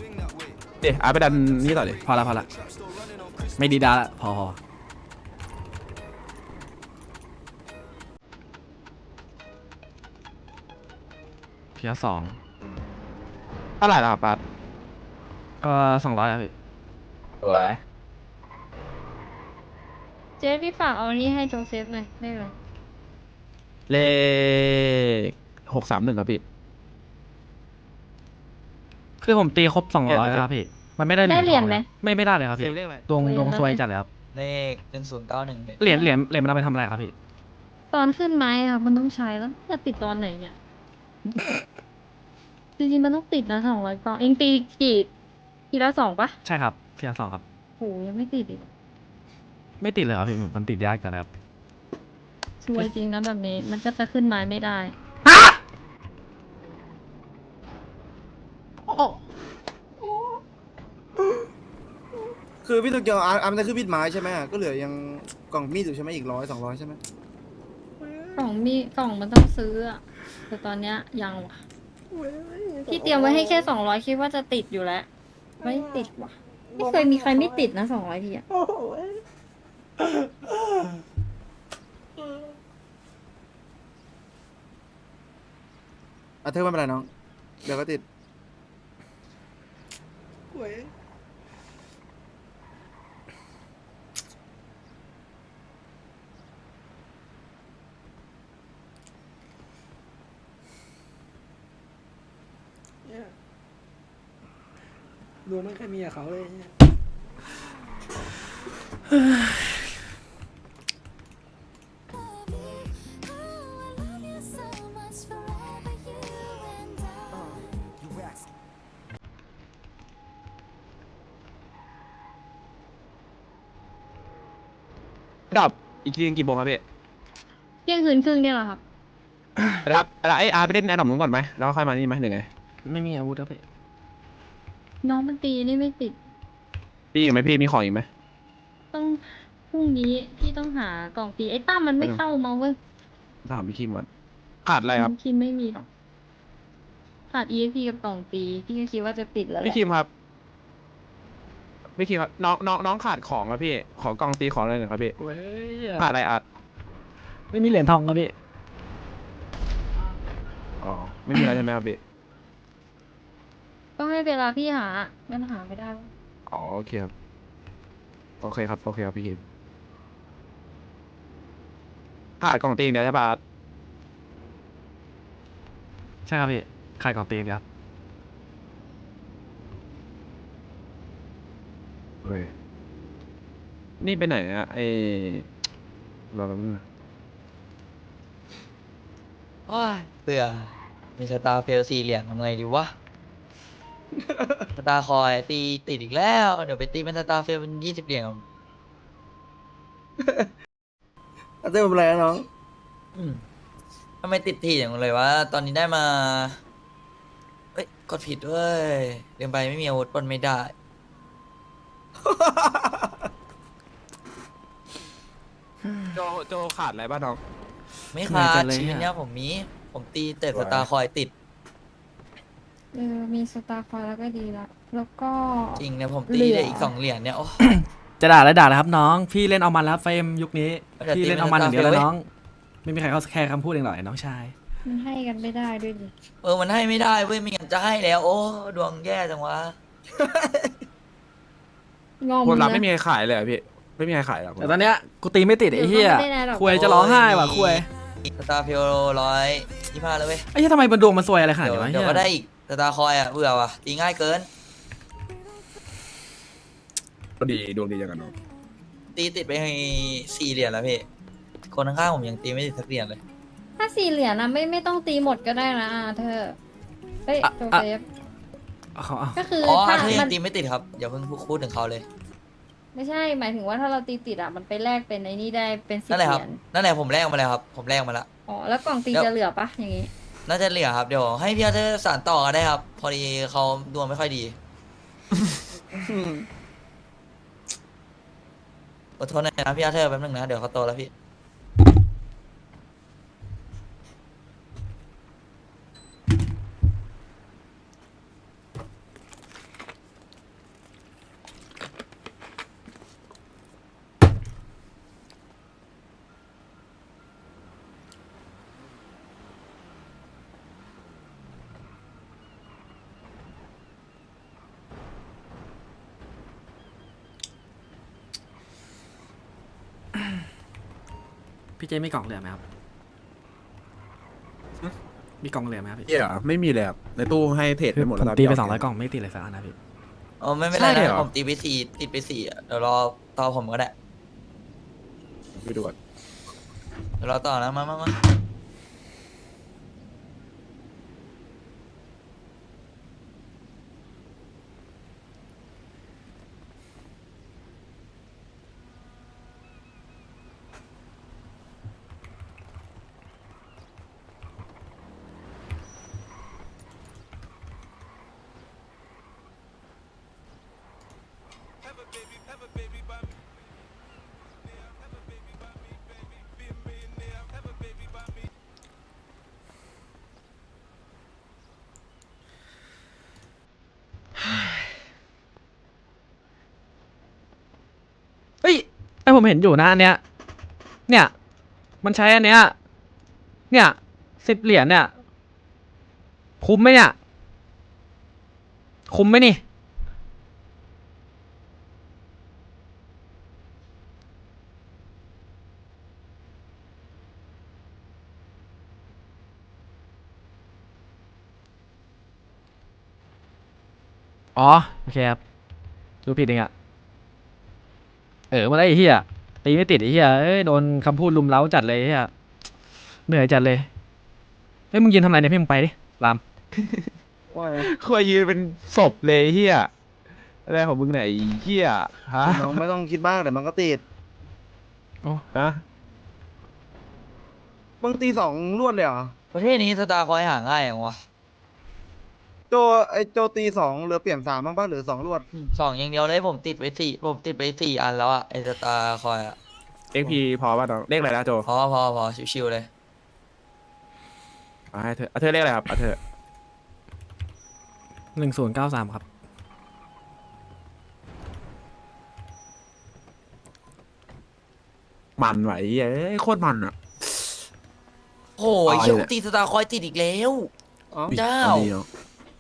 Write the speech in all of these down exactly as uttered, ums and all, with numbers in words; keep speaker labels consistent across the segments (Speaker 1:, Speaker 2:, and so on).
Speaker 1: เดี๋ยวอาร์ตไปดันนี่ต่อดิ
Speaker 2: พอละพอละไม่ดีดาละพอพอ เพียสอง
Speaker 1: เท่าไหร่ล่ะปาร์ต
Speaker 2: เออสองร้อยอะพี่
Speaker 1: สวย
Speaker 3: เจ๊พี่ฝากเอานี่ให้โจเซฟหน่อยได้ไหม
Speaker 1: เลขหกสามหนึ่งครับพี่
Speaker 2: คือผมตีครบสองร้อยแล้วครับพี่ มันไม่ได้
Speaker 3: ได้เหรียญไหม
Speaker 2: ไม่ไม่ได้เลยครับ
Speaker 1: เซ
Speaker 2: พี่
Speaker 1: ฟเลขอะไร
Speaker 2: ดวง
Speaker 3: เหรียญ
Speaker 2: ดวง
Speaker 3: ละ
Speaker 2: ซวยจัดเลยครับ
Speaker 4: เลขหนึ่งศูนย์เก้าหนึ่ง
Speaker 2: เหรียญเหรียญเหรียญมันเอาไปทำอะไรครับพี่
Speaker 3: ตอนขึ้นไม้อะมันต้องใช้แล้วจะติดตอนไหนเนี่ย จริงๆมันต้องติดนะสองร้อยกล่องเองตีกี่ทีละสองปะ
Speaker 2: ใช่ครับเพียสองครับ
Speaker 3: โหยังไม่ติดอีก
Speaker 2: ไม่ติดเลยครับพี่มันติดยากจังเลยครับ
Speaker 3: ช่วยจริงนะแบบนี้ มันก็จะขึ้นไม้ไม่ได้
Speaker 5: คือพี่โตเกียวอาร์อาร์มันจะขึ้นมีดไม้ใช่ไหมก็เหลือยังกล่องมีดอยู่ใช่ไหมอีกร้อยสองร้อยใช่ไหม
Speaker 3: กล่องมีกล่องมันต้องซื้ออะแต่ตอนเนี้ยยังว่ะที่เตรียมไว้ให้แค่สองร้อยคิดว่าจะติดอยู่แล้ว ไม่ติดว่ะ ไม่เคยมีใครไม่ติดนะสองร้อยทีอะ
Speaker 5: อ่ะเธอไม่เป็นไรน้องเดี๋ยวก็ติด
Speaker 6: ดูไม่เคยมีกับเขาเลยเนี่ย
Speaker 1: ดับอีกทีนึงกี่โมงครับพี่
Speaker 3: เที่ยงคืนครึ่งเนี่ยแหละครับ
Speaker 1: ครับไอ้อาร์ตไปเล่นแอร์ดรอปนู้นก่อนไหมแล้วค่อยมานี่ไหมหรือไง
Speaker 2: ไม่มีอาวุธครับพี่
Speaker 3: น้องมันตีนี่ไม่ติด
Speaker 1: พี่อีกไหมพี่มีของอีกไหม
Speaker 3: ต้องพรุ่งนี้พี่ต้องหากล่องตีไอ้ตั้มมันไม่เข้ามาเว้ย
Speaker 1: ถามพี่คิมก่อนขาดอะไรครับ
Speaker 3: คิดไม่มีหรอกขาด อี เอ็ก พี กับกล่องตีพี่ก็คิดว่าจะติดแล้วแห
Speaker 1: พี่
Speaker 3: ละ
Speaker 1: คิมครับพี่คิมครับน้องน้องน้องขาดของครับพี่ขอกล่องตีของอะไรหน่อยครับพี่
Speaker 2: เว้ย
Speaker 1: ขาดอะไรอาร์ต
Speaker 2: ไม่มีเหรียญทองครับพี่
Speaker 1: อ๋อไม่มีอะไรใช่ไหมครับพี่
Speaker 3: ก็ให้เวลาพี่หามันหาไม่ได้เว้ย
Speaker 1: อ๋อโอเคครับโอเคครับโอเคครับพี่คิมขาดกล่องตีอย่างเดียวใช่ปะอาร์ต
Speaker 2: ใช่ครับพี่ขายกล่องตีนครับ
Speaker 1: เฮ้ยนี่ไปไหนอะไอรอแป๊บนึงนะ
Speaker 4: โอ้ยเบื่อมีสตาร์เฟลสี่เหรียญทำไงดีวะ สตาร์คอยตีติดอีกแล้ว เดี๋ยวไปตีเป็นสตาร์เฟลเป็นยี่สิบเหรียญ
Speaker 5: อ่ะเธอไม่เป็นไรนะน้อง
Speaker 4: อืมทำไมติดทีอย่างเลยวะ ตอนนี้ได้มา เอ้ย กดผิดเว้ยเรียนไปไม่มีอาวุธปล้นไม่ได้
Speaker 1: โจโจขาดอะไรบ้างน้อง
Speaker 4: ไม่
Speaker 2: เหนื่
Speaker 4: ขา
Speaker 2: อยจั
Speaker 4: ด
Speaker 2: งเลย
Speaker 4: ชีวิต
Speaker 2: อะ
Speaker 4: เนี้ยผมมี ผมตีแต่สตาร์คอยติด
Speaker 3: เออมีสตาร์คอยแล้วก็ดีละแล้วก็
Speaker 4: จริงเนี่ยผมตี
Speaker 3: เหลื
Speaker 4: ได้
Speaker 3: ออี
Speaker 4: อีกสองเหรียญเนี่ย โอ้
Speaker 2: จะด่าแล้วด่าแล้วครับน้อง พี่เล่นเอามันแล้วเฟรมยุคนี้
Speaker 4: แต่ตี
Speaker 2: พี่เล่น
Speaker 4: ไม่
Speaker 2: เอามันอย่างเดียวแล้ว
Speaker 4: ได้เว้ย
Speaker 2: น้อง ไม่มีใครเขาแคร์คำพูดเองหรอกไอ้น้องชาย
Speaker 3: มันให้กันไม่ได้ด้วยดิ
Speaker 4: เออ มันให้ไม่ได้เว้ยไม่งั้นจะให้แล้ว โอ้ ดวงแย่จังวะ
Speaker 3: งอม
Speaker 1: คนรับ
Speaker 3: นะ
Speaker 1: ไม่มีใครขายเลยเหรอพี่ไม่มีใครขายหรอ
Speaker 2: แต่ตอนเนี้ยกูตีไม่ติดไอ้เหี้ย
Speaker 3: เดี๋ยวเขาไม่ได้หรอก
Speaker 2: คุยจะร้องไห้ว่ะคุย
Speaker 4: สตาร์เฟลร้อยยี่ห้าเลยเว้ย
Speaker 2: ไอ้เหี้ยทำไมมันดวงมันซวยอะไรขนาด
Speaker 4: เดี๋ยว
Speaker 2: นี้วะ
Speaker 4: เดี๋ยว
Speaker 2: เหี้
Speaker 4: ก็
Speaker 2: ย
Speaker 4: ได้อีกสตาร์คอยอ่ะเบื่อว่ะตีง่ายเกิน
Speaker 1: ก็ดีดวงดีจังกันน้อง
Speaker 4: ตีติดไปให้สี่เหรียญแล้วพี่ คนข้างๆผมยังตีไม่ติดสักเหรียญเลย
Speaker 3: ถ้าสี่เหรียญนะไม่ไม่ต้องตีหมดก็ได้นะอาเธอเฮ้ยโจเซฟ
Speaker 2: เอาเขาเอา
Speaker 3: ก็คือ
Speaker 4: อ๋อ
Speaker 3: ถ้า
Speaker 4: ถ้ายั
Speaker 3: มั
Speaker 4: ง
Speaker 3: น
Speaker 4: ตีไม่ติดครับอย่าเพิ่งพูดถึงเขาเลย
Speaker 3: ไม่ใช่หมายถึงว่าถ้าเราตีติดอ่ะมันไปแลกเป็นไอ้นี่ได้เป็นสิบ
Speaker 4: นั่นแหละ
Speaker 3: เห
Speaker 4: ครับ
Speaker 3: รียญ
Speaker 4: นั่นแหละผมแลกมาแล้วครับ ผมแลกมาแล้ว
Speaker 3: อ๋อแล้วกล่องตี
Speaker 4: เดี๋ยว
Speaker 3: จะเหลือปะอย่างงี้
Speaker 4: น่าจะเหลือครับ เดี๋ยวให้พี่อาเธอร์สานต่อกันได้ครับ พอดีเขาดวงไม่ค่อยดี อดทนหน่อยนะพี่อาเธอร์แป๊บนึงนะ เดี๋ยวเขาโตแล้วพี่
Speaker 2: พี่เจมีกล่องเหลือไหมครับมีกล่องเหลือไหมครับพี่
Speaker 1: เหี้ยไม่มีเลยครับในตู้ให้เทรด
Speaker 2: คื
Speaker 1: ไป
Speaker 2: อ
Speaker 1: หมด
Speaker 2: ผม
Speaker 1: แล้ว
Speaker 2: ตีไปสองร้อยกล่องไม่ติดเลยสักอันนะพี่
Speaker 4: อ๋อไม่ไม่เป็นไร
Speaker 1: ใช่เหร
Speaker 4: นะ
Speaker 1: อ
Speaker 4: ผมตีไปสี่ติดไปสี่อะเดี๋ยวรอต่อผมก็ได้
Speaker 1: ไปดูก่อน
Speaker 4: เดี๋ยวรอต่อนะมามามา
Speaker 2: เฮ้ยไอผมเห็นอยู่นะอันเนี้ยเนี่ยมันใช้อันเนี้ยเนี่ยสิบเหรียญเนี่ยคุ้มไหมเนี่ยคุ้มไหมนี่อ๋อโอเคครับดูผิดเองอะเออมาได้ไอ้เหี้ยตีไม่ติดไอ้เหี้ยเอ้ยโดนคำพูดลุมเล้าจัดเลยไอ้เหี้ยเหนื่อยจัดเลยเฮ้ยมึงยืนทำอะไรเนี่ยพี่มึงไปดิราม
Speaker 5: ว่าไง
Speaker 1: คุยยืนเป็นศพเลยเฮียอะไรของมึงไหนยไอ้เฮียฮะ
Speaker 5: น้องไม่ต้องคิดมากแต่มันก็ติด
Speaker 1: ฮะ
Speaker 5: มึงตีสองรวดเลยเหรอ
Speaker 4: ประเทศนี้สตาร์คอยหาง่ายอย่างวะ
Speaker 5: โจไอโจตีสองเหลือเปลี่ยนสามบ้างป่ะหรือสองรวด
Speaker 4: สองอย่างเดียวเลยผมติดไปสี่ผมติดไปสี่อันแล้วอะไอสตาร์คอยอะ
Speaker 1: เอ็กพีพอป่ะน้องเลขอะไรนะโจ
Speaker 4: พอพอพอชิวๆเลย
Speaker 1: เอาให้เธอเอาเธอเลขอะไรครับเอาเธอ
Speaker 2: หนึ่งศูนย์เก้าสามครับ
Speaker 1: มันไหวเหี้ยเอ้ยโคตรมันอ่ะ
Speaker 4: โอ้ย
Speaker 1: เอา
Speaker 4: เชี่ย
Speaker 1: เลย
Speaker 4: ตีสตาร์คอยติดอีกแล้ว
Speaker 5: อ๋อ
Speaker 4: เจ้า
Speaker 1: อดีเนาะ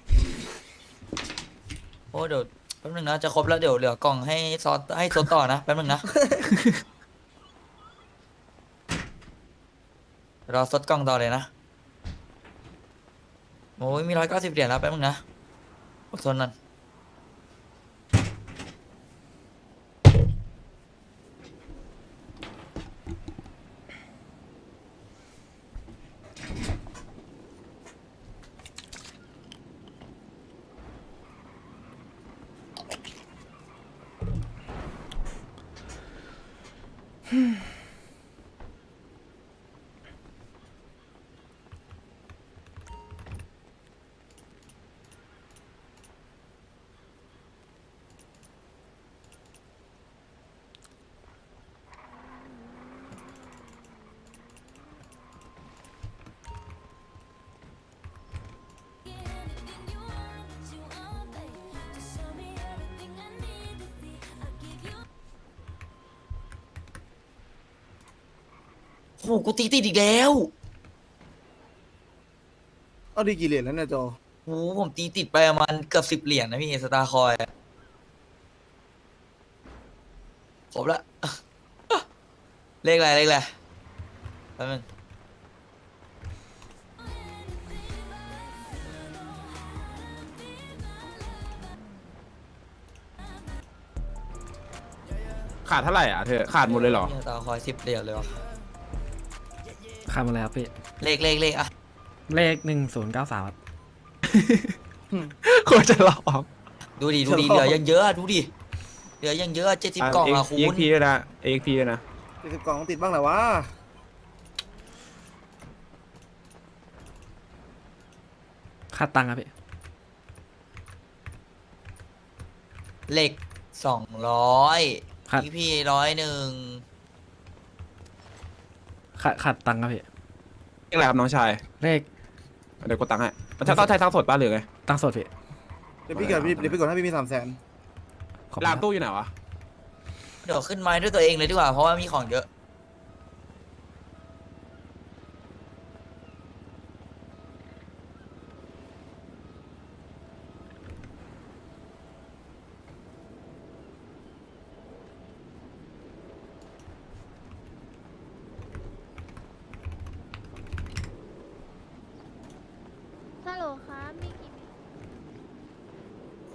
Speaker 4: โอ้เดี๋ยวแป๊บนึงนะจะครบแล้วเดี๋ยวเหลือกล่องให้ซอสให้ซดต่อนะแป๊บนึงนะ รอซดกล่องต่อเลยนะโอ้ยมีร้อยเก้าสิบเหรียญแล้วแป๊บนึงนะอดทนนั่นโอ้โหกูตีติดอีกแล้ว
Speaker 5: เอาดีกี่เหรียญแล้วเนี่ยโจ
Speaker 4: โอ้โหผมตีติดไปประมาณเกือบสิบเหรียญนะพี่สตาร์คอยอะครบละ เลขอะไรเลขอะไรแป๊บนึง
Speaker 1: ขาดเท่าไหร่อ่ะเธอขาดหมดเลยเหรอ
Speaker 4: สตาร์คอยสิบเหรียญเลยวะ
Speaker 2: ข้ามมาเลยครับพี่
Speaker 4: เลขเลขเลขอะ
Speaker 2: เลขหนึ่งศูนย์เก้าสามครับ
Speaker 1: ควรจะหลอก
Speaker 4: ดูดิดูดิเหลือยังเยอะอะดูดิเหลือยังเยอะเจ็ดสิบกล่องอะคู
Speaker 1: เอ็ก
Speaker 4: ณ
Speaker 1: พีด้วยนะเอ็กพีด้วยนะ
Speaker 5: ตีสิบกล่องติดบ้างแหละวะ
Speaker 2: ค่าตังค์ครับพี่
Speaker 4: เลขสองร้อย
Speaker 2: ครับ
Speaker 4: พี่พี่ร้อยหนึ่ง
Speaker 2: ค่าค่าตังค์ครับพี่
Speaker 1: เลขอะไรครับน้องชาย
Speaker 2: เลข
Speaker 1: เดี๋ยวกดตังค์ให้มันจะต้องใช้ทั้งสดป่ะหรือไง
Speaker 2: ตังค์สดพี่
Speaker 5: เดี๋ยวพี่เกิดเดี๋ยวพี่กดให้พี่มีสามแสน
Speaker 2: ขอบคุณ
Speaker 1: ราม
Speaker 2: ครับ
Speaker 1: ตู้อยู่ไหนวะ
Speaker 4: เดี๋ยวขึ้นไม้ด้วยตัวเองเลยดีกว่าเพราะว่ามีของเยอะ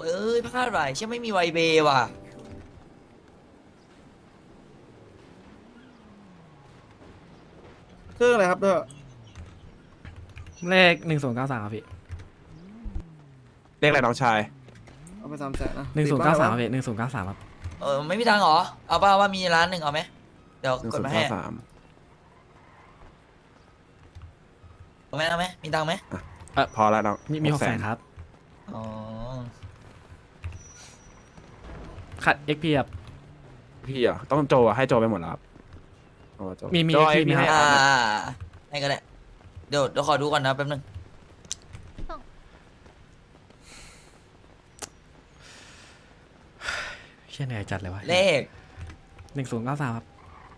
Speaker 4: เอ้ยพลาดไปใช่ไม่มีไวเบว่ะ
Speaker 5: เครื่องอะไรครับเธอ
Speaker 2: เลขหนึ่งศูนย์เก้าสามครับพี่
Speaker 1: เรียกอะไรน้องชาย
Speaker 5: เอาไปสามแสนนะ
Speaker 2: หนึ่งศูนย์เก้าสามครับพี่หนึ่งศูนย์เก้าสามครับ
Speaker 4: เออไม่มีตังค์เหรอเอาป่าว่ามีร้านหนึ่งเอาไหมเดี๋ยว
Speaker 1: หนึ่ง
Speaker 4: กด
Speaker 1: ศูน
Speaker 4: มา
Speaker 1: ย์
Speaker 4: ให้
Speaker 1: เก้าสาม
Speaker 4: เอาไหมเอาไหมมีตังค์ไหม
Speaker 1: พอแล้วน้อง
Speaker 2: มีมีหกแสนครับ
Speaker 4: อ๋อ
Speaker 2: ขัด เอ็ก พี ครับ
Speaker 1: พี่อ่ะต้องโจอ่ะให้โจไปหมดแล้วครับเอาโจ
Speaker 2: มีมี
Speaker 1: โจ
Speaker 2: พี่มี
Speaker 1: ให้
Speaker 2: ครับ
Speaker 4: อ่า
Speaker 1: ให้
Speaker 4: ให้ก็ได้เดี๋ยวเดี๋ยวขอดูก่อนนะแป๊บนึง
Speaker 2: เชี่ยเหนื่อยจัดเลยวะ
Speaker 4: เลข
Speaker 2: หนึ่งศูนย์เก้าสามครับ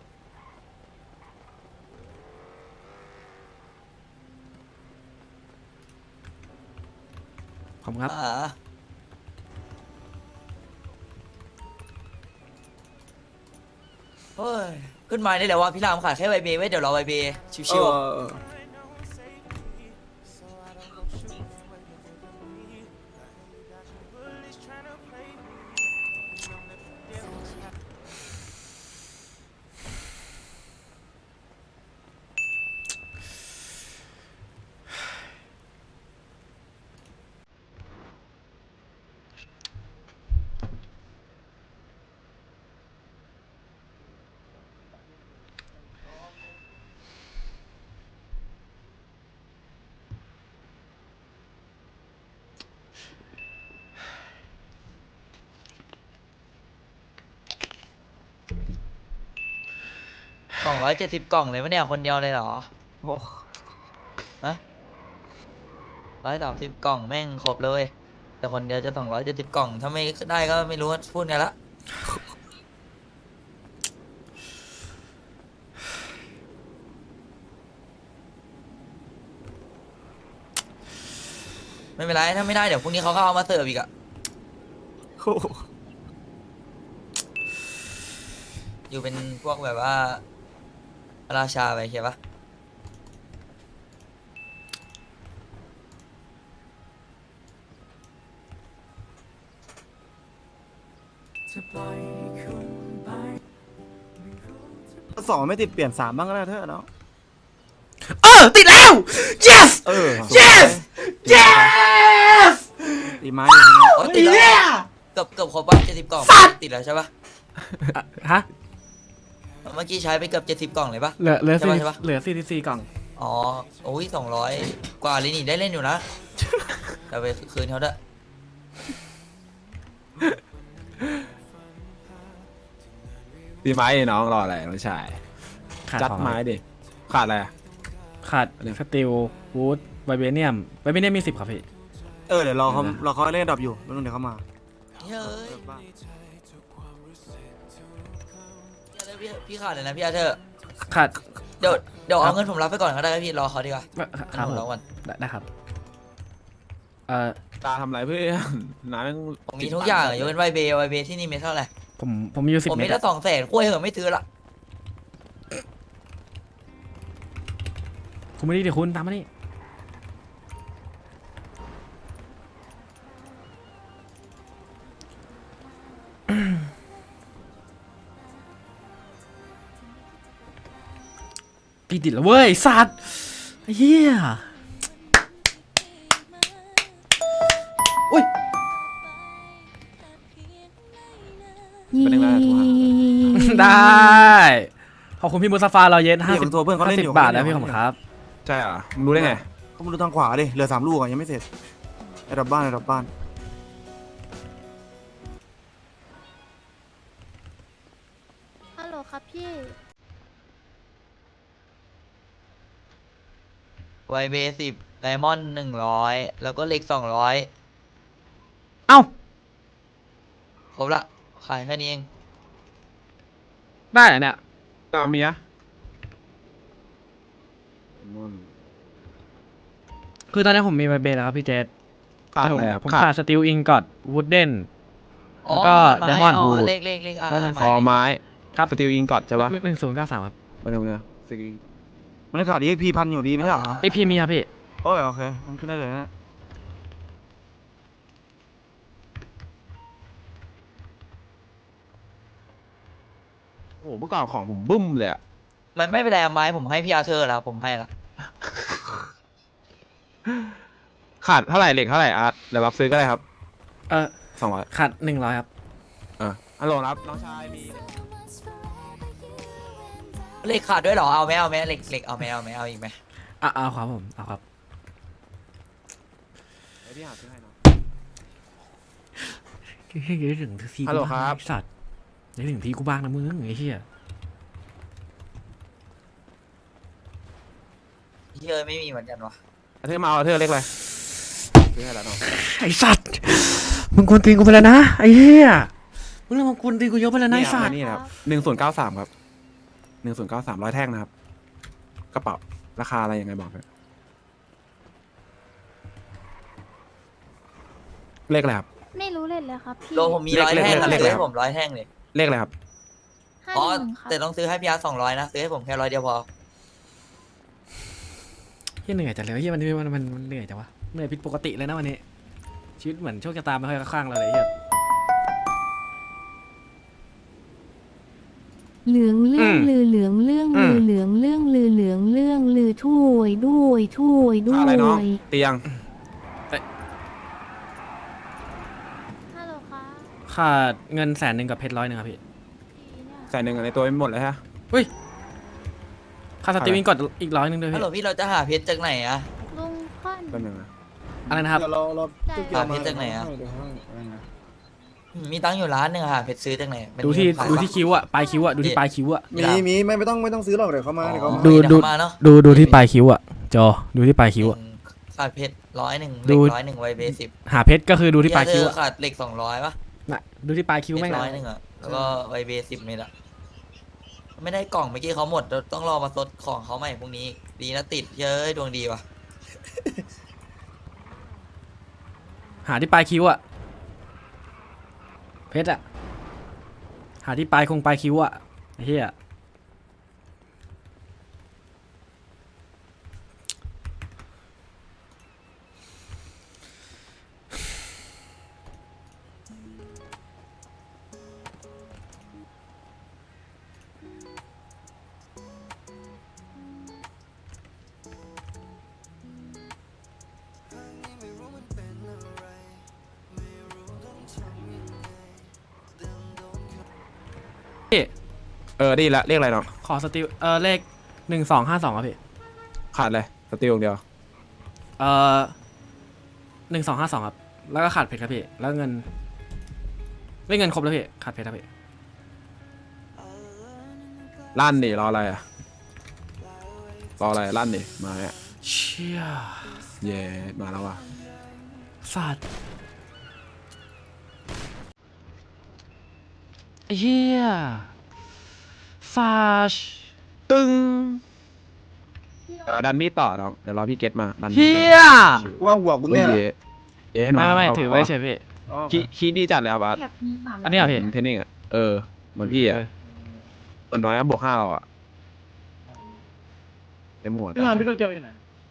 Speaker 2: ขอบคุณครับ
Speaker 4: อ่าเฮ้ยขึ้นมาได้แล้วว่าพี่รามขายแค่ไวเบไว้เดี๋ยวรอไวเบ
Speaker 5: เอ
Speaker 4: ชิว
Speaker 5: อ
Speaker 4: ๆ
Speaker 5: เออ
Speaker 4: กล่องร้อยเจ็ดสิบกล่องเลยวะเนี่ยคนเดียวเลยเหรอโอ้ฮะร้อยสามสิบกล่องแม่งครบเลย แต่คนเดียวจะสองร้อยเจ็ดสิบกล่อง ถ้าไม่ได้ก็ไม่รู้ว่าพูดไงละไม่เป็นไร ถ้าไม่ได้เดี๋ยวพรุ่งนี้เขาก็เอามาเสิร์ฟอีกอะ
Speaker 5: โอ้โห
Speaker 4: อยู่เป็นพวกแบบว่าราชาไปใช่ปะ
Speaker 5: สองไม่ติดเปลี่ยนสามบ้างก็ได้เธอเนาะ
Speaker 2: เออ ติดแล้ว yes
Speaker 5: เออ
Speaker 2: yes yes
Speaker 5: ตีไม้อยู่ที่นี่
Speaker 4: โอ้ยติดแล้วเกือบเกือบครบป่ะเจ็ดสิบกล่องติดแล้วใช่ปะ
Speaker 2: อ่ะฮะ
Speaker 4: เมื่อกี้ใช้ไปเกือบเจ็ดสิบกล่องเลยปะ
Speaker 2: เหลือเหลือ
Speaker 4: ใช่
Speaker 2: สี่
Speaker 4: ปะใช่ปะ
Speaker 2: เหลือสี่สิบสี่กล่อง
Speaker 4: อ๋อโอ้ยสองร้อยกว่าเลยนี่ได้เล่นอยู่นะเดี๋ยวไปคืนเขาด้วย
Speaker 1: ตีไม้ดิน้องรออะไรน้องชาย
Speaker 2: ขาด
Speaker 1: จัด
Speaker 2: ของ
Speaker 1: ไม้ดิขาดอะไรอะ
Speaker 2: ขาด
Speaker 1: อะไร
Speaker 2: สตีลวูดไวเบเนียมไวเบเนียมมีสิบครับพี่
Speaker 5: เออเดี๋ยวรอเขารอเขาเล่นดรอปอยู่แล้วเดี๋ยวเขามา
Speaker 4: เฮ้ย
Speaker 5: เออบ้า
Speaker 4: พี่พี่ขาดเลยนะพี่อาเธอร์
Speaker 2: ขาด
Speaker 4: เดี๋ยวเดี๋ยว
Speaker 2: ครั
Speaker 4: เอา
Speaker 2: บ
Speaker 4: เงินผมรับไปก่อนก็ได้ครับพี่รอเขาดีกว่า
Speaker 2: ครั
Speaker 4: เงิ
Speaker 2: บ
Speaker 4: นผม
Speaker 2: ผม
Speaker 4: รอก่อน
Speaker 2: ได้ได้ครับ เอ่อ
Speaker 1: ตาทำอะไรเพื่อนน้าแม่ง
Speaker 4: ผมมีทุกอย่างอะยกเว้นไวเบไวเบที่นี่มีเท่าไหร่
Speaker 2: ผมผมมีอยู่สิบ
Speaker 4: ผม
Speaker 2: เม
Speaker 4: มี
Speaker 2: ตร
Speaker 4: แค่
Speaker 2: อะ
Speaker 4: สองแสนกล้วยเหอะไม่ซื้อละ
Speaker 2: คุณไม่ได้เดี๋ยวคุณตามมานี่พี่ติดแล้วเว้ยสัตว์เฮียอุ้ย
Speaker 1: เป็นยังไงอะโทรหา
Speaker 2: ได้ ขอบคุณพี่มุสฟาเราเย็นห้า
Speaker 5: พี่
Speaker 2: สิ
Speaker 5: ผ
Speaker 2: บ
Speaker 5: มโทรเพื่อนเขา
Speaker 2: ห้า
Speaker 5: เล่น
Speaker 2: สิ
Speaker 5: อบ ยู่
Speaker 2: บาท
Speaker 5: เข
Speaker 2: นะ
Speaker 5: เล่น
Speaker 2: พี่
Speaker 5: อ
Speaker 2: ข
Speaker 5: ยู่
Speaker 2: อบคุณครับ
Speaker 1: ใช่เหรอมึงรู้ได้ไง
Speaker 5: เขามาดูทางขวาดิเหลือสามลูกอ่ะยังไม่เสร็จไอ้ดับบ้านไอ้ดับบ้าน
Speaker 7: ฮัลโหลครับพี่
Speaker 4: ไวเบสิบไดมอนด์หนึ่งร้อยแล้วก็เหล็กสองร้อย
Speaker 2: เอ้า
Speaker 4: ครบละขายแค่นี้เอง
Speaker 2: ได้เหรอเนี่ย
Speaker 1: ตามเมีย
Speaker 2: คือตอนนี้ผมมีไวเบสแล้วครับพี่เจษ
Speaker 1: ขาดอะไรอะ
Speaker 2: ผม
Speaker 1: ขา
Speaker 2: ขา
Speaker 1: ด
Speaker 2: ดสตีลอิงกอดวูดเดน
Speaker 4: อ๋อ
Speaker 2: แล้วก็
Speaker 4: ไม้
Speaker 2: Diamond
Speaker 4: อ๋อ
Speaker 2: Wood
Speaker 4: เลขเลขเลขอ่า
Speaker 2: แล้วนั่น
Speaker 4: ไม้
Speaker 1: คอไม้
Speaker 2: ครับ
Speaker 1: สตีลอิงกอดใช่ปะ
Speaker 2: หนึ่งศูนย์เก้าสามครับ
Speaker 1: มาดูเนี่ยสตีล
Speaker 5: มันได้ข่าวดีพีพันอยู่ดีไม่ใช่เหรอ
Speaker 2: ไอพี่มีครับพี่
Speaker 5: โอ้ยโอเคมันขึ้นได้เลยนะ
Speaker 1: โอ้โหเมื่อก่อนของผมบึ้มเลยอะ
Speaker 4: มันไม่เป็นไรไม้ผมให้พี่อาเธอร์แล้วผมให้ละ
Speaker 1: ขาดเท่าไหร่เหล็กเท่าไหร่อาร์ตเดี๋ยวรับซื้อก็ได้ครับ
Speaker 2: เออ
Speaker 1: สองร้อย
Speaker 2: ขาดหนึ่งร้อยครับ
Speaker 1: เออฮัลโหลครับน้องชายมี
Speaker 4: เหล็กขาดด้วยเหรอเอาไหมเอาไหมเหล็กเหล็กเอาไหมเอาไหมเอาอีกไหม
Speaker 2: อ่ะเอาครับผมเอาครับ
Speaker 1: เดี๋ยวพี่หาซื้อให้น้อง
Speaker 2: เฮ้ยนึกถึงที
Speaker 1: ฮัลโหลครับ
Speaker 2: ไอ้สัตว์นึกถึงทีกูบ้างนะมึงไอ้เหี้ย
Speaker 4: พี่เออไม่มีเหมือนกันวะ
Speaker 1: เอาเธอมาเอาเธอเล็กเลยซื้อให้แล้วน้อง
Speaker 2: ไอ้สัตว์มึงกวนตีนกูไปแล้วนะไอ้เหี้ยมึงเริ่มมากวนตีนกูเยอะไปแล้วนะไอ้สัตว์
Speaker 1: นี่ครับหนึ่งศูนย์เก้าสามครับหนึ่งศูนย์เก้าสามร้อยแท่งนะครับกระเป๋าราคาอะไรยังไงบอกเลยเลขอะไรครับ
Speaker 7: ไม่รู้เลยเลยครับพี่
Speaker 4: โลผมมี
Speaker 1: เลข
Speaker 4: ร้อยแท่งอะ
Speaker 1: เลข
Speaker 4: ซื้อ
Speaker 1: เลข
Speaker 4: ให้ผมร้อยแท่งเลย
Speaker 1: เลขอะไรครับ
Speaker 7: ห้า
Speaker 4: อ๋อ
Speaker 7: หนึ่งครับ
Speaker 4: แต่ต้องซื้อให้พี่อาร์สองร้อยนะซื้อให้ผมแค่ร้อยเดียวพอ
Speaker 2: เหี้ยเหนื่อยจังเลยเหี้ยมันมันมันมันเหนื่อยจังวะเหนื่อยผิดปกติเลยนะวันนี้ชีวิตเหมือนโชคชะตาไม่ค่อยเข้าข้างเราเลยเหี้ย
Speaker 8: เหลืองเรื่อง
Speaker 2: อืม
Speaker 8: ลือเหลืองเรื่อง
Speaker 2: อื
Speaker 8: ลื
Speaker 2: ม
Speaker 8: อเหลืองเรื่องลือเหลืองเรื่องลือถ้วยด้วยถ้วยด้ว
Speaker 1: อะไรน้อง
Speaker 8: ย
Speaker 1: เตียง
Speaker 7: ฮัลโหลครับ
Speaker 2: ขาดเงินแสนหนึ่งกับเพชรร้อยหนึ่งครับพี่
Speaker 7: พี่เนี่ย
Speaker 1: ใส่หนึ่งในตัวไม่หมดเลยฮะ
Speaker 2: ค่าสตรีมมิ่งกดอีกร้อยหนึ่งด้วย
Speaker 4: ฮัล
Speaker 2: พี่
Speaker 4: โหลพี่เราจะหาเพชรจากไหนอะ
Speaker 7: ลุงค่อน
Speaker 1: แป๊บนึงนะ
Speaker 2: อะไรนะครับ
Speaker 5: เดี๋ยวเราเรา
Speaker 7: ได้
Speaker 5: พี่เกียว
Speaker 4: หาเพชรจากไหนอะ
Speaker 5: เดี๋ยวให้อะไรนะ
Speaker 4: มีตังค์อยู่ร้านหนึ่งอะหาเพชรซื้อจากไหนมัน
Speaker 2: ดูที่
Speaker 4: มีขาย
Speaker 2: ดู
Speaker 4: ปะ
Speaker 2: ที่คิ้วอะปลายคิ้วอะดูที่ปลายคิ้วอะ
Speaker 4: มี
Speaker 5: มี
Speaker 4: เหรอ
Speaker 5: มีไม่ไม่ต้องไม่ต้องซื้อหรอกเดี๋ยวเขามาเดี๋ยวเขามา
Speaker 2: ดู
Speaker 4: เยว
Speaker 2: ดู
Speaker 4: เข้ามาเนาะ
Speaker 2: ดูดูที่ปลายคิ้วอะจอดูที่ปลายคิ้วอะ
Speaker 4: อืมขาดเพชรร้อยหนึ่ง
Speaker 2: ดู
Speaker 4: เหล็กร้อยหนึ่งไวเบสิบ
Speaker 2: หาเพชรก็คือดูที่ปลายคิ้ว
Speaker 4: เธอ
Speaker 2: อะ
Speaker 4: ขาดเหล็กสองร้อยปะ
Speaker 2: น่ะดูที่ปลายคิ้ว
Speaker 4: เหล็
Speaker 2: แม่ง
Speaker 4: ก
Speaker 2: อะ
Speaker 4: ร้อยหนึ่งอะแล้วก็ไวเบสิบเมตรอะไม่ได้กล่องเมื่อกี้เขาหมดเราต้องรอมาซดของเขาใหม่พรุ่งนี้ ดีนะติดเย้ยดวงดีว่ะ
Speaker 2: หาที่ปลายคิ้วอะเพชรอะหาที่ปลายคงปลายคิ้วอะไอ้เหี้ยพี่
Speaker 1: เออดีละเลขอะไรน้อง
Speaker 2: ขอสติลเออเลขหนึ่งสองห้าสองครับพี่
Speaker 1: ขาดเลยสติลอย่างเดียว
Speaker 2: เออหนึ่งสองห้าสองครับ แล้วก็ขาดเพชรครับพี่ แล้วเงินเล่นเงินครบแล้วพี่ ขาดเพชรครับพี่
Speaker 1: ลั่นดิรออะไรอะรออะไรลั่นดิมาเนี่ย
Speaker 2: เชี่ย
Speaker 1: เย่มาแล้วว่ะ
Speaker 2: สัตว์ไอ้เฮียฟาช
Speaker 1: ตึงเดี๋ยวดันมีดต่อน้องเดี๋ยวรอพี่เกตมาดันมีด
Speaker 2: เฮีย
Speaker 5: ว่าหัวกู
Speaker 1: เฮ้ย
Speaker 5: เนี่ย
Speaker 1: เย่เย่
Speaker 2: ไม่ไม่ไม่
Speaker 1: เา
Speaker 2: ถือไว้เฉยพี่
Speaker 1: ขี้ขี้ดีจัดเลยครับบาส
Speaker 2: อันนี้เหรอพี่
Speaker 1: เทนนิ่งอ่ะเออเหมือนพี่อ่ะส่วนน้อยอะบวกห้าเราอ่ะเต็มหัว
Speaker 6: พี่มานพี่ลูกเจียวอยู่ไหน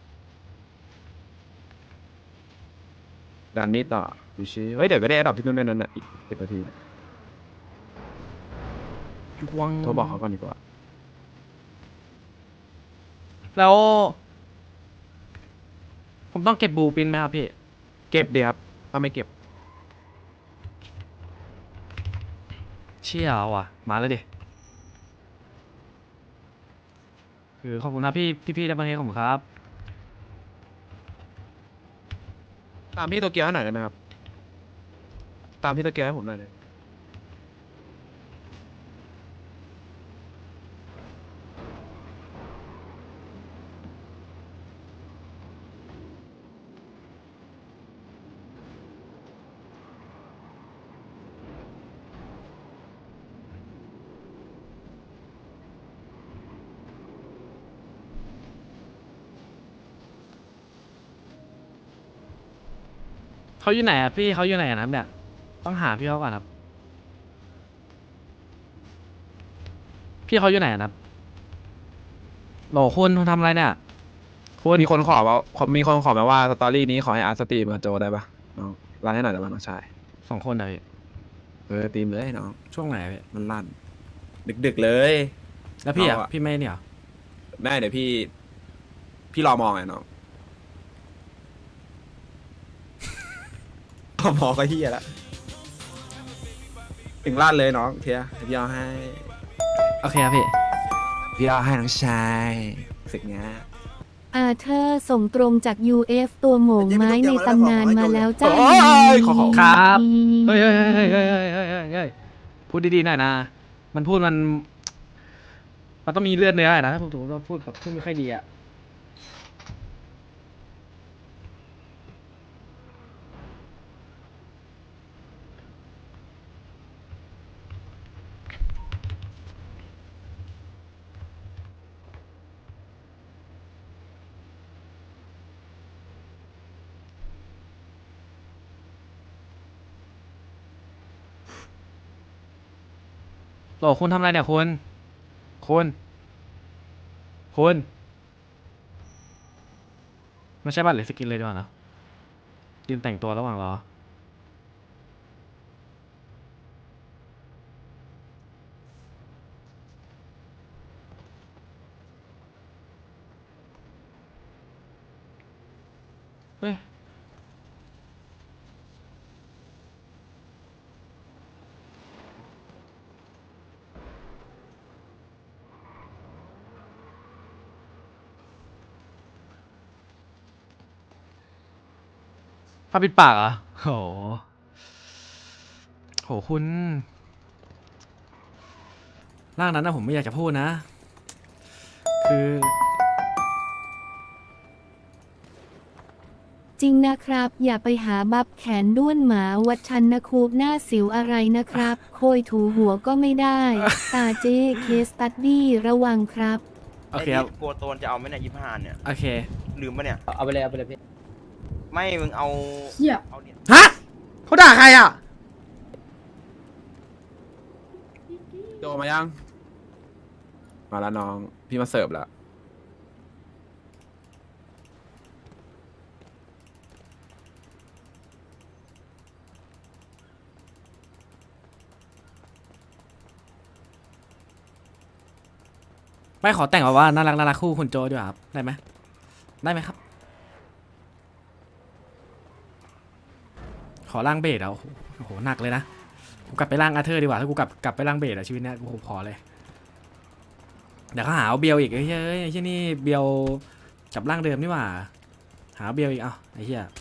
Speaker 1: ดันมีดต่อดูชิเฮ้ยเดี๋ยวก็ได้ดอกที่นู่นด้วยนั่นน่ะอีกสิบนาที
Speaker 2: วัง
Speaker 1: โทรบอกเขาก่อนดีกว่า
Speaker 2: แล้ว ผมต้องเก็บบูปินไหมครับพี่
Speaker 1: เก็บดีครับถ้าไม่เก็บ
Speaker 2: เชี่ยว่ะ มาแล้วดิ คือขอบคุณนะพี่พี่พี่ได้มาให้ผมครับ
Speaker 1: ตามพี่โตเกียวให้หน่อยได้ไหมครับตามพี่โตเกียวให้ผมหน่อยเลย
Speaker 2: เขาอยู่ไหนอ่ะพี่เขาอยู่ไหนอะครับเนี่ยต้องหาพี่เขาก่อนครับ พี่เขาอยู่ไหนอะครับโหลคุณคุณทำอะไรเนี่ยคุณ
Speaker 1: มีคนขอว่ามีคนขอมาว่าสตอรี่นี้ขอให้อาร์ตสตรีมกับโจได้ปะน้องรันให้หน่อยได้ปะน้องชาย
Speaker 2: สองคนเหรอพี่
Speaker 1: เออตีมเลยน้อง
Speaker 2: ช่วงไหนอะพี่
Speaker 1: มันลั่นดึกๆเลย
Speaker 2: แล้วพี่อ่ะ
Speaker 1: เอาอะ
Speaker 2: พี่ไม่เนี่ยเหรอ
Speaker 1: แม่เดี๋ยวพี่ พี่รอมองไงน้อง รอมองก็เฮียละถึงลาดเลยน้องเทียพี่เอาให้
Speaker 2: โอเคครับพี่
Speaker 1: พี่เอาให้น้องชายสึกเนี้ย
Speaker 8: อาเธอร์ส่งตรงจาก ยู เอฟ ตัวโหม่งไม้ในตำนานมาแล้วจ้า
Speaker 1: โอ้ยขอขอ
Speaker 2: ครับ เฮ้ยเฮ้ยเฮ้ยเฮ้ยเฮ้ยเฮ้ยเฮ้ยเฮ้ยพูดดีๆหน่อยนะ มันพูดมัน มันต้องมีเลือดเนื้อหน่อยนะถ้าผมถูกว่าพูดแบบพูดไม่ค่อยดีอ่ะ โหลคุณทำอะไรเนี่ยคุณคุณคุณไม่ใช่บัตรหรือสกินเลยดีกว่านะยืนแต่งตัวระหว่างรอเฮ้ยผ้าปิดปากเหรอ่ะโหโหคุณร่างนั้นนะผมไม่อยากจะพูดนะ คือ
Speaker 8: จริงนะครับ อย่าไปหาบับแขนด้วนหมาวัดชันนะคูบหน้าสิวอะไรนะครับ โคยถูหัวก็ไม่ได้ ตาเจเคสตัดดี้ระวังครับ
Speaker 2: โอเคครับ
Speaker 9: ไอ้ที่กลัวโตนจะเอาไหมเนี่ยยี่ห้าเนี่ย
Speaker 2: โอเค
Speaker 9: ลืมปะเนี่ย
Speaker 6: เอาไปเลยเอาไปเลยพี่
Speaker 9: ไม่มึงเอา
Speaker 3: เหี้ย
Speaker 9: เอาเหรียญ
Speaker 2: ฮะเขาด่าใครอ่ะ
Speaker 1: โจมายัง มาแล้วน้อง พี่มาเสิร์ฟแล้ว
Speaker 2: ไม่ขอแต่งแบบว่าน่ารักน่ารักคู่คุณโจด้วยครับ ได้ไหมได้ไหมครับ ขอร่างเบสอ่ะโอ้โหโอ้โหหนักเลยนะกูกลับไปร่างอาเธอร์ดีกว่าถ้ากูกลับกลับไปร่างเบสอ่ะชีวิตเนี้ยกูขอเลยเดี๋ยวเขาหาเอาเบียวอีกไอ้เหี้ยเอ้ยไอ้เหี้ยนี่เบียวกับร่างเดิมนี่หว่า หาเบียวอีกเอ้าไอ้เหี้ย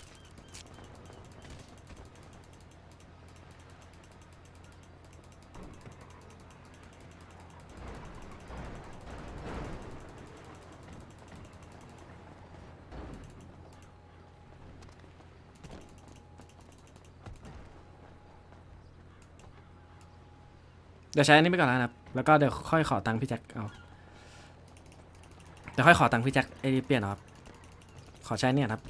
Speaker 2: เดี๋ยวใช้อันนี้ไปก่อนนะครับ แล้วก็เดี๋ยวค่อยขอตังค์พี่แจ็คเอา เดี๋ยวค่อยขอตังค์พี่แจ็คไอ้เปลี่ยนเอาครับ ขอใช้เนี่ยครับ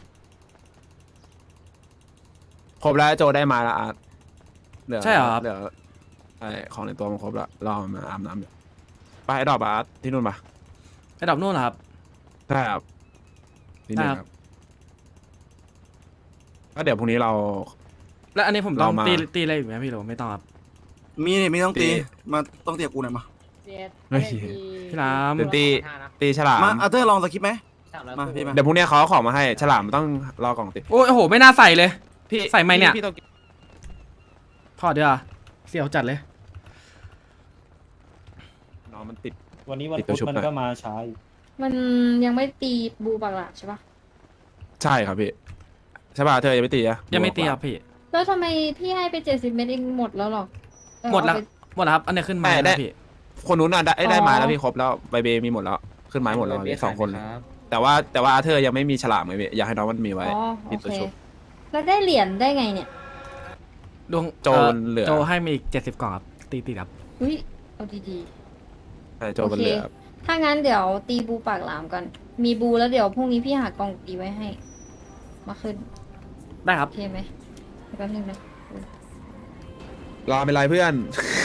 Speaker 1: ครบแล้วโจได้มาแล้วอาร์ตเหลือ
Speaker 2: ใช่เหรอครับ
Speaker 1: เหลือไอของในตัวมันครบแล้วรอมาอาบน้ำอยู่ไปไอ้ดอกอาร์ตที่นู่นปะ
Speaker 2: ไอ้ดอกนู่นเหรอครับ
Speaker 1: ใช่ครับที่นี่
Speaker 2: ได้
Speaker 1: ค
Speaker 2: ครั
Speaker 1: รับ บก็เดี๋ยวพรุ่งนี้เรา
Speaker 2: แล้วอันนี้ผมต้อง
Speaker 1: เรามา
Speaker 2: ตีตีอะไรอยู่ไหมพี่หรือว่าไม่ต้องครับ
Speaker 5: มีนี่ไม่ต้องตี
Speaker 1: ตี
Speaker 5: มาต้องเตียกูหน่อยมา
Speaker 1: เฮ้ย
Speaker 2: พี่ราม
Speaker 1: เดี๋ยวตีตีฉลาม
Speaker 5: มาอาเธอร์ลองสคริปต์ไหมมาพี่มา
Speaker 1: เดี๋ยวพรุ่งนี้เขาเอาของมาให้ฉลามมันต้องรอกล่องติด
Speaker 2: โอ้ยโอ้โหไม่น่าใส่เลย
Speaker 1: พี่
Speaker 2: ใส่ไหมเนี่ย
Speaker 1: พี่ต้อง
Speaker 2: ถอดดีกว่าเสียวจัดเลย
Speaker 1: น้องมันติด
Speaker 6: วันนี้วัน
Speaker 1: ติดตัว
Speaker 6: พุธ
Speaker 1: ชุบ
Speaker 6: มัน
Speaker 1: ไป
Speaker 6: ก็มาช้าอยู่
Speaker 3: มันยังไม่ตีบูปากหลาใช่ปะ
Speaker 1: ใช่ครับพี่ใช่ป่ะเธอยังไม่ตีอะ
Speaker 2: ยังไม่ตีครับพี่
Speaker 3: แล้วทำไมพี่ให้ไปเจ็ดสิบเมตรเองหมดแล้วหรอเออ
Speaker 2: หมดแล้ว
Speaker 3: เอาไป
Speaker 2: หมดแล้วครับ อันนี้ขึ้นมา
Speaker 1: ไม่
Speaker 2: แล้ว
Speaker 1: ได้
Speaker 2: นะพี่
Speaker 1: คนนู้นน่ะได้ได้
Speaker 3: อ๋อ
Speaker 1: ไม้แล้วพี่ครบแล้วใบเบมีหมดแล้วขึ้นไม้หมดแล้วพี่สองคนเลยแต่ว่าแต่ว่าอาเธอร์ยังไม่มีฉลามไงพี่อยากให้น้องมันมีไว้
Speaker 3: อ๋อ
Speaker 1: ติ
Speaker 3: โอ
Speaker 1: ดตัว
Speaker 3: เค
Speaker 1: ชุบ
Speaker 3: แล้วได้เหรียญได้ไงเนี่ย
Speaker 2: ดวง
Speaker 1: โจรเหลือ
Speaker 2: โจให้มาอีกเจ็ดสิบกล่องครับ ตีตีครับ
Speaker 3: อุ้ยเอาดี
Speaker 1: ใช่โจมันเหลือ
Speaker 3: ๆ ถ้างั้นเดี๋ยวตีบูปากหลามกัน มีบูแล้วเดี๋ยวพรุ่งนี้พี่หากล่องตีไว้ให้ มาขึ้น
Speaker 2: ได้ครั
Speaker 3: โอบ เคไหมแป๊บนึงนะ
Speaker 1: รอเป็นไรเพื่อน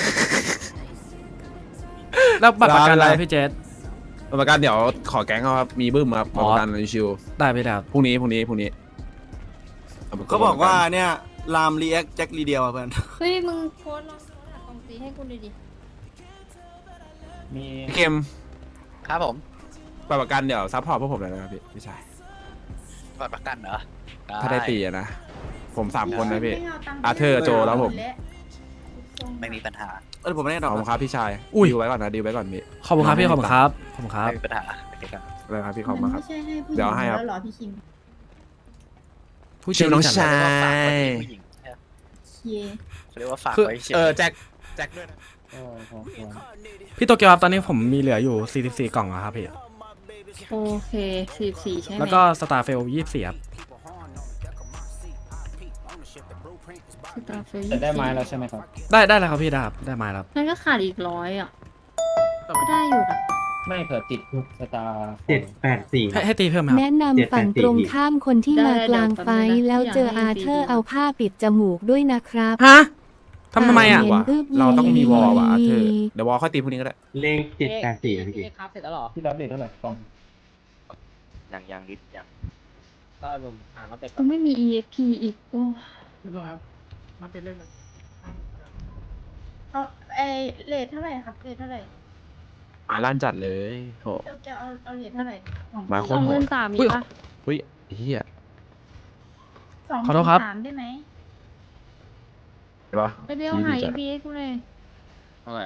Speaker 2: แล้วบัตรประกันอะไร
Speaker 1: ร้านอะไร
Speaker 2: พี่เจษ
Speaker 1: ประกันเดี๋ยวขอแก๊งเขาครับมีบึ้มครับ
Speaker 2: อ๋อ
Speaker 1: ประกันชิว
Speaker 2: ได้ไปแล้ว
Speaker 1: ๆพรุ่งนี้พรุ่งนี้พรุ่งนี้
Speaker 5: เขาบอกว่าเนี่ยลามรีแอคแจ็ครีเดียวอ่ะเพื่อน
Speaker 3: เฮ้ย มึงโพสต์ลองโพสต์หากล่องตีให้กูดูดิ
Speaker 10: มี
Speaker 1: พี่เกม
Speaker 10: ครับผม
Speaker 1: บัตรประกันเดี๋ยวซัพพอร์ตพวกผมเลยนะครับพี่พี่ชาย
Speaker 10: บัตรประกันเหรอ
Speaker 1: ถ้าได้ตีอะนะผมสามคนนะพี่อาเธอร์โจแล้วผม
Speaker 10: ไม่มีปัญหา
Speaker 5: เออผมไม่ได้
Speaker 1: ข
Speaker 5: ดอ
Speaker 1: อก บคุณครับพี่ชาย
Speaker 2: อุ้ย
Speaker 1: ดีลไว้ก่อนนะดีลไว้ก่อนพี่
Speaker 2: ขอบคุณครับพี่ขอบคุณครับขอบคุณครับ
Speaker 10: ไม่มีปัญหาโอเคครับ
Speaker 1: เลยครับพี่ขอบคุณครับ
Speaker 3: ไม่ใช่ให้ผู้หญิง
Speaker 1: เดี๋ยวให้ครับ
Speaker 3: แล้วเหรอพี่คิม
Speaker 2: ผู้
Speaker 1: ชิวน้อง
Speaker 2: จัด
Speaker 1: ชาย
Speaker 10: ฝากไว้ที่ผู้หญิง
Speaker 3: เชีย
Speaker 10: เขาเรียกว่าฝาก
Speaker 2: คือ
Speaker 10: ไว้เฉย
Speaker 1: เออแจ็คแจ็คด้วยนะ
Speaker 2: พี่โตเกียวครับตอนนี้ผมมีเหลืออยู่สี่สิบสี่กล่องอะครับพี่
Speaker 3: โอเคสี่สี่ใช่ไหม
Speaker 2: แล้วก็สตาร์เฟลยี่สิบสี่ครับ
Speaker 3: สตาร์เฟล
Speaker 10: จะได้ไม้แล้วใช่ไหมครับ
Speaker 2: ได้ได้แล้วครับพี่ได้ครับได้มาแล้วครับ
Speaker 3: นั่นก็ขาดอีกร้อยอ่ะก็ได้อยู่นะ
Speaker 10: ไม่เผื่อติดทุกสตาร์
Speaker 6: เจ็ดแปดสี่
Speaker 2: ให้ให้ตีเพิ่มไหมครับ
Speaker 8: แนะนำฝั่งตรงข้ามคนที่มากลางไฟท์แล้วเจออาเธอร์เอาผ้าปิดจมูกด้วยนะครับ
Speaker 2: ฮะทำทำไมอ่ะ
Speaker 8: เห็น
Speaker 1: ว่ะ
Speaker 8: อึบ
Speaker 1: เราต้องมีวอลว่ะ
Speaker 8: ยี
Speaker 1: อาเธอร์เดี๋ยววอลค่อยตีพรุ่งนี้ก็ได้
Speaker 6: เลขเจ็ดแปดสี่พี่เก
Speaker 10: ครับเสร็จแล้วหรอที่รับเด็ดเท่าไหร่กล่อง
Speaker 9: อย่างอย่างนิดอย่าง
Speaker 10: ก็ผมอ่านมาเต็ม
Speaker 3: ก็ไม่มี อี เอ็กซ์ พี อีกโอ้
Speaker 6: ครับมาเป็นเรื่องเลย
Speaker 7: เอาไอเลทเท่าไหร่ครับเลทเท่าไหร่
Speaker 1: อ่าลั่นจัดเลยโห
Speaker 7: จะเอาเอาเลทเท่าไหร่
Speaker 1: มาโค
Speaker 3: ส
Speaker 1: ต
Speaker 3: อ
Speaker 1: รง โห
Speaker 3: หมื่
Speaker 1: ด
Speaker 3: นสามมีปะ
Speaker 1: อุ้ยเฮีย
Speaker 7: สอง
Speaker 2: ขอโทษครับ
Speaker 7: สามได้ไหม
Speaker 1: เห็นปะ
Speaker 3: ไปเรียวหา อี พี เอ็กซ์กูเลย
Speaker 10: เท่าไหร่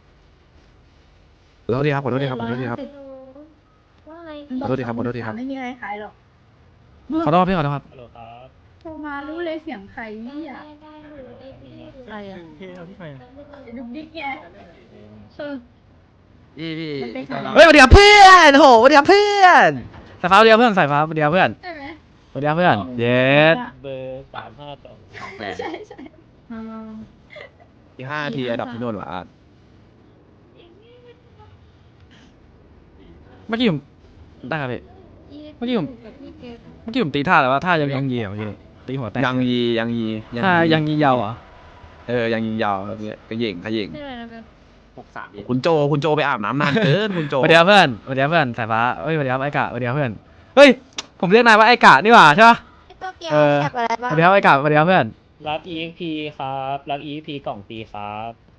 Speaker 1: ขอโทษทีครับขอโทษทีครับขอโทษทีครับ
Speaker 7: ว่าอะไร
Speaker 1: ขอโทษทีครับขอโทษทีครับ
Speaker 7: ไม่มีอะไรขายหรอก
Speaker 2: ขอโทษพี่ขอโทษครับ
Speaker 10: ฮัลโหลครับ
Speaker 7: โทรมารู้เลยเสียงใครนี่อ่ะ
Speaker 3: อะไรอ่ะ
Speaker 7: ดุกดิกไง
Speaker 3: เออ
Speaker 10: พี่พี่
Speaker 7: มันเป็นขาย
Speaker 2: เฮ้ยสวัสดีครับเพื่อนโหสวัสดีครับเพื่อนสายฟ้าสวัสดีครับเพื่อนสายฟ้าสวัสดีครับเพื่อน
Speaker 7: ใช่ไหม
Speaker 2: สวัสดีครับเพื่อนเย็ด
Speaker 10: เบอร์สามห้าสองแปด
Speaker 7: ใช่ใช่
Speaker 3: อ่า
Speaker 1: อีกห้านาทีอันดับที่โน่นว่ะอาร์ต
Speaker 2: เมื่อกี้ผมได้ครับพี่ เมื่อกี้ผม เมื่อกี้ผมตีท่าแต่ว่าท่ายังยังยีอ่ะเมื่อกี้นี่ตีหัวแตก
Speaker 1: ยังยียังยี
Speaker 2: ท่ายังยียาวเหรอ
Speaker 1: เออยังยิงยาวครับเนี่ยก็ยิงขยิง
Speaker 3: นี่อะไรนะเพื่อน
Speaker 10: หกสาม
Speaker 1: คุณโจคุณโจไปอาบน้ำนานเกินคุณโจ
Speaker 2: สวัสดีครับเพื่อนสวัสดีครับเพื่อนสายฟ้าเฮ้ยสวัสดีครับไอ้กะสวัสดีครับเพื่อนเฮ้ยผมเรียกนายว่าไอ้กะนี่หว่าใช่ปะ
Speaker 7: ไอตัวเกียว
Speaker 2: เออ
Speaker 7: แคปอะไร
Speaker 2: ส
Speaker 7: บ้าง
Speaker 2: วัสดีครับไอ้กะสวัสดีครับเพื่อน
Speaker 10: รับ อี เอ็กซ์ พี ครับรับ อี เอ็กซ์ พี กล่องตีครับ